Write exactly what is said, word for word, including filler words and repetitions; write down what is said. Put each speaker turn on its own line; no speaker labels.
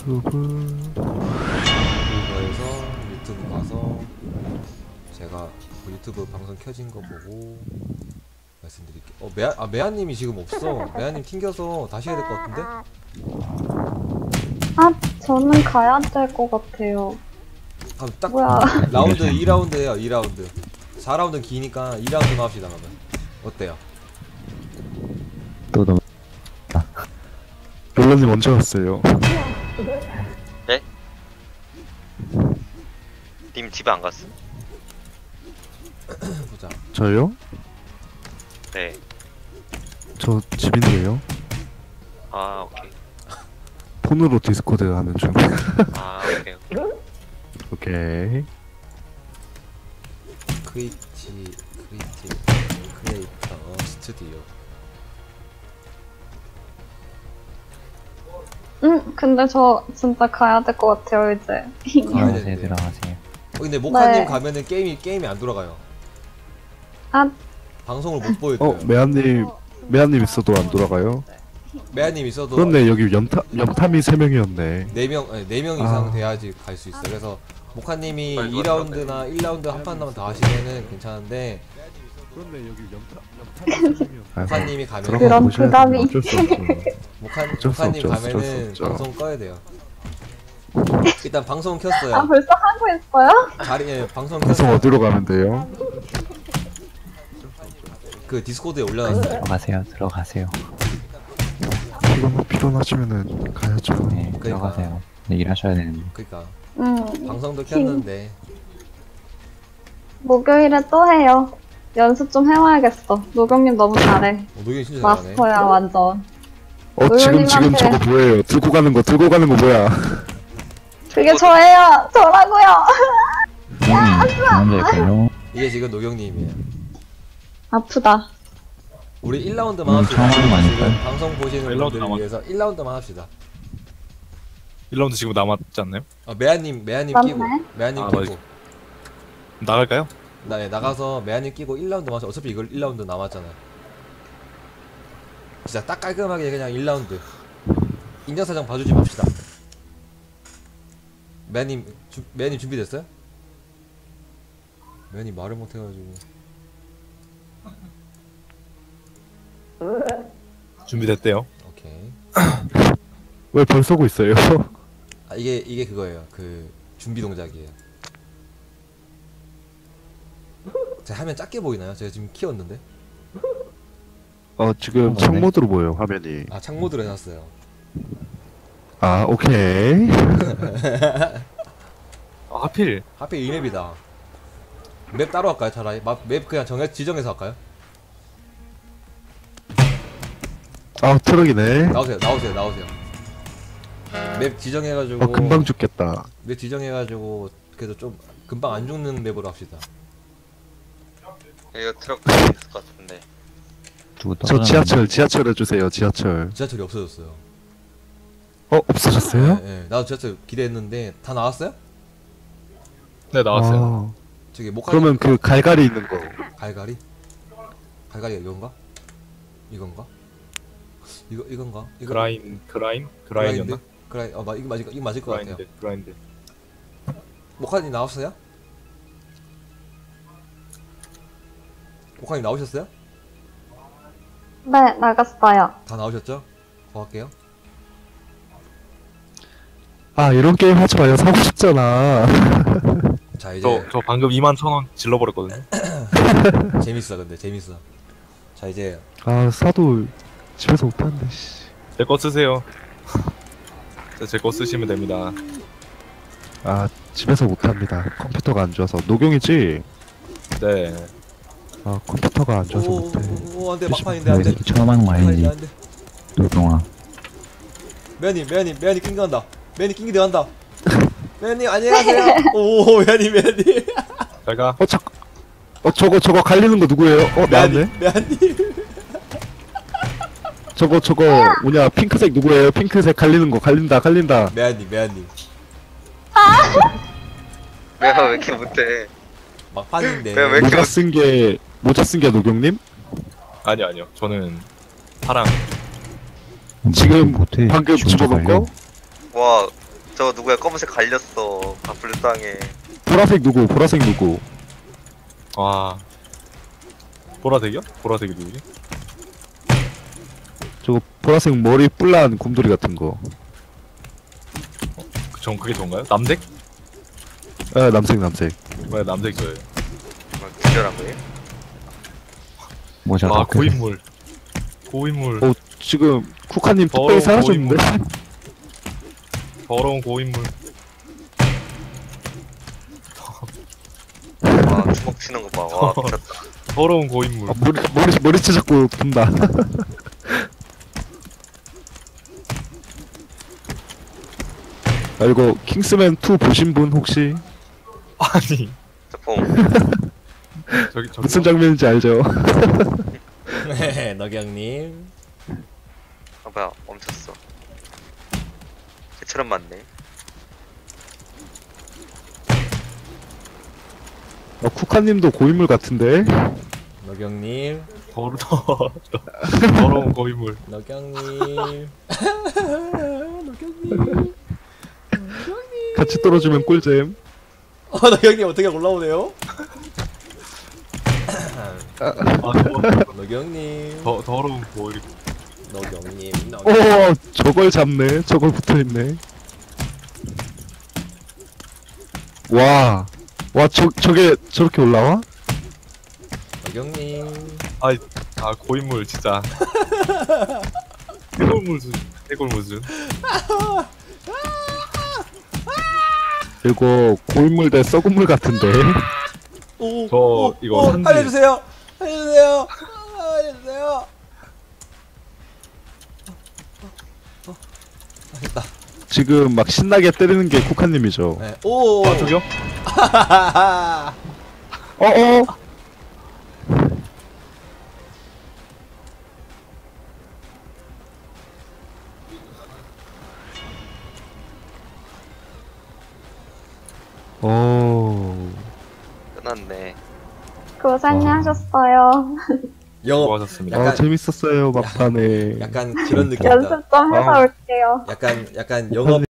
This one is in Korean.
유튜브
구글에서 유튜브 가서 제가 그 유튜브 방송 켜진 거 보고 말씀드릴게요. 어 메아 아 메아님이 지금 없어. 메아님 튕겨서 다시 해야 될 것 같은데?
아, 저는 가야 될 것 같아요.
아, 딱
뭐야.
라운드 이 라운드예요. 이 라운드. 사 라운드는 기니까 이 라운드만 합시다. 그러면 어때요?
또 너무 롤러님 언제 왔어요?
네? 님 집에 안 갔어?
보자.
저요?
네.
저 집인데요.
아 오케이.
폰으로 디스코드 하는 중.
아 오케이.
오케이.
크리치 크리치 크리에이터 스튜디오.
응, 근데 저 진짜 가야 될 것 같아요, 이제.
가야
들어가세요,
되는데.
들어가세요.
어, 근데 모카님
네.
가면은 게임이 게임이 안 돌아가요.
아,
방송을 못 보여줘요.
어, 메아님, 메아님 있어도 안 돌아가요?
메아님 있어도
그런데 여기 염탐, 염탐이 세 명이었네.
네 명, 아니, 네 명 이상
아.
돼야지 갈 수 있어. 그래서 모카님이
빨리
이 라운드나 일 라운드 한 판만 더 하시면은 괜찮은데
그런데 여기 염탐, 염탐이 세 명이었네.
모카님이 가면은
들어가
그런
보셔야
부담이.
돼요. 어쩔 수 없죠.
모카,
어쩔 수
모카님
없죠, 어쩔 수
가면은
없죠.
방송 꺼야 돼요. 일단 방송 켰어요.
아, 벌써 하고 있어요?
자리에 방송
방송
켰어요.
어디로 가면 돼요?
그 디스코드에 올려놨어요.
들어가세요, 들어가세요.
피곤, 피곤하시면은 가야죠.
네, 들어가세요. 네, 일하셔야 되는데.
그니까
응.
방송도 켰는데
목요일에 또 해요. 연습 좀 해와야겠어. 노경님 너무 잘해.
어, 노경이 진짜 잘하네.
마스터야, 완전.
어, 지금, 지금
노현님한테-
저거 뭐예요? 들고 가는 거, 들고 가는 거 뭐야?
그게 저예요! 저라고요!
음, 먼저일까요?
이게 지금 노경님이에요.
아프다.
우리 일 라운드만
음,
합시다.
처음 하는 거
지금
아닐까요?
방송 보시는
일 라운드
분들을
남았-
위해서 일 라운드만 합시다.
일 라운드 지금 남았지 않나요?
어, 메아님, 메아님
맞네.
끼고, 메아님
아,
끼고.
맞아. 나갈까요?
나, 네, 나가서 메아님 끼고 일 라운드만 하자. 어차피 이걸 일 라운드 남았잖아. 진짜 딱 깔끔하게 그냥 일 라운드. 인정사정 봐주지 맙시다. 메아님, 주, 메아님 준비됐어요? 메아님 말을 못해가지고.
준비됐대요.
오케이.
왜 벌 쏘고 있어요?
아, 이게, 이게 그거예요. 그, 준비 동작이에요. 제 화면 작게 보이나요? 제가 지금 키웠는데?
어, 지금 창모드로 보여요, 화면이.
아, 창모드로 해놨어요.
아, 오케이.
아, 하필
하필 이 맵이다. 맵 따로 할까요? 차라리 마, 맵 그냥 정해 지정해서 할까요?
아, 트럭이네.
나오세요, 나오세요, 나오세요. 맵 지정해가지고.
어, 금방 죽겠다.
맵 지정해가지고 그래도 좀 금방 안 죽는 맵으로 합시다.
이거 트럭 있을 것 같은데.
누구
저
떨어졌는데?
지하철, 지하철 해주세요, 지하철.
지하철이 없어졌어요.
어, 없어졌어요?
네, 네. 나도 지하철 기대했는데 다 나왔어요?
네 나왔어요.
아,
저기 목화.
그러면 그 갈갈이 있는 거.
갈갈이? 갈갈이가 이건가? 이건가? 이거 이건가? 이거
그라인 그라인 그라인이었나?
그라인. 어, 마, 이거 맞을 거- 이거 맞을 것 같아요.
그라인드 그라인드.
목화님 나왔어요? 목화님 나오셨어요?
네, 나갔어요.
다 나오셨죠? 더 할게요.
아, 이런 게임 하지 마요. 사고 싶잖아.
자 이제
저, 저 방금 이만 천 원 질러버렸거든요.
재밌어. 근데 재밌어. 자 이제
아, 사도 집에서 못하는데, 씨.
제 거 쓰세요. 제 거 쓰시면 됩니다.
아, 집에서 못합니다. 컴퓨터가 안 좋아서. 노경이지?
네.
아, 컴퓨터가 안 좋아서 못해.
오오오 안돼 막판인데 안돼.
여기서 처음 하는 거 아니지?
안돼.
노동아.
매님 매님 매님 낑겨 간다. 매님 낑기 들어간다. 매님 안녕하세요. 오 매님 매님.
제가
어, 저, 어, 저거, 저거 갈리는 거 누구예요? 어, 나왔네?
매님.
저거, 저거, 뭐냐, 핑크색 누구예요? 핑크색 갈리는 거, 갈린다, 갈린다.
매님 매님.
내가 왜 이렇게 못해?
막판인데.
왜, 왜 이렇게
모자 쓴 게, 모자 쓴 게 노경님?
아니요 아니요. 저는 파랑.
지금
못해.
방금
지금
집어본
걸려.
거?
와 저거 누구야? 검은색 갈렸어. 아 불쌍해.
보라색 누구? 보라색 누구?
와. 보라색이요? 보라색이 누구지?
저거 보라색 머리 뿔난 곰돌이 같은 거.
그- 전 그게 좋은가요? 남색?
아, 남색 남색.
왜 남색 저예요?
뭐 기절한 거예요?
모자
아
벗겨.
고인물. 고인물.
어, 지금 쿠카님
더러운
뚝배기 사라졌는데?
더러운 고인물.
와 주먹 치는 거 봐. 와 미쳤다.
더러운 고인물.
아, 머리 머리 머리채 자꾸 분다. 아, 이거 킹스맨 투 보신 분 혹시
아니
저뽕
저기 저기
무슨 장면인지 알죠?
네, 너경님.
아 뭐야 멈췄어. 개처럼 맞네.
어, 쿠카님도 고인물 같은데?
너경님.
더러 더러운 고인물.
너경님. 너경님.
같이 떨어지면 꿀잼.
어, 너경님 어떻게 올라오네요?
아 더,
너경님.
더 더러운 고인.
너경님.
오,
너경님.
저걸 잡네. 저걸 붙어있네. 와, 와, 저, 저게 저렇게 올라와?
너경님.
아 고인물 진짜. 해골물 수준. 해골물 수준.
이거 고인물 대 썩은 물 같은데?
오,
저
오,
이거
오,
산지-
알려주세요. 알려주세요. 알려주세요. 됐다.
지금 막 신나게 때리는 게 쿠카님이죠.
네. 오.
아 저기요?
어어! 오.
끝났네.
고생하셨어요.
영업.
수고하셨습니다.
아,
약간-
재밌었어요, 막판에.
약간 그런 느낌이다.
연습 좀 해서
아.
올게요.
약간 약간 영업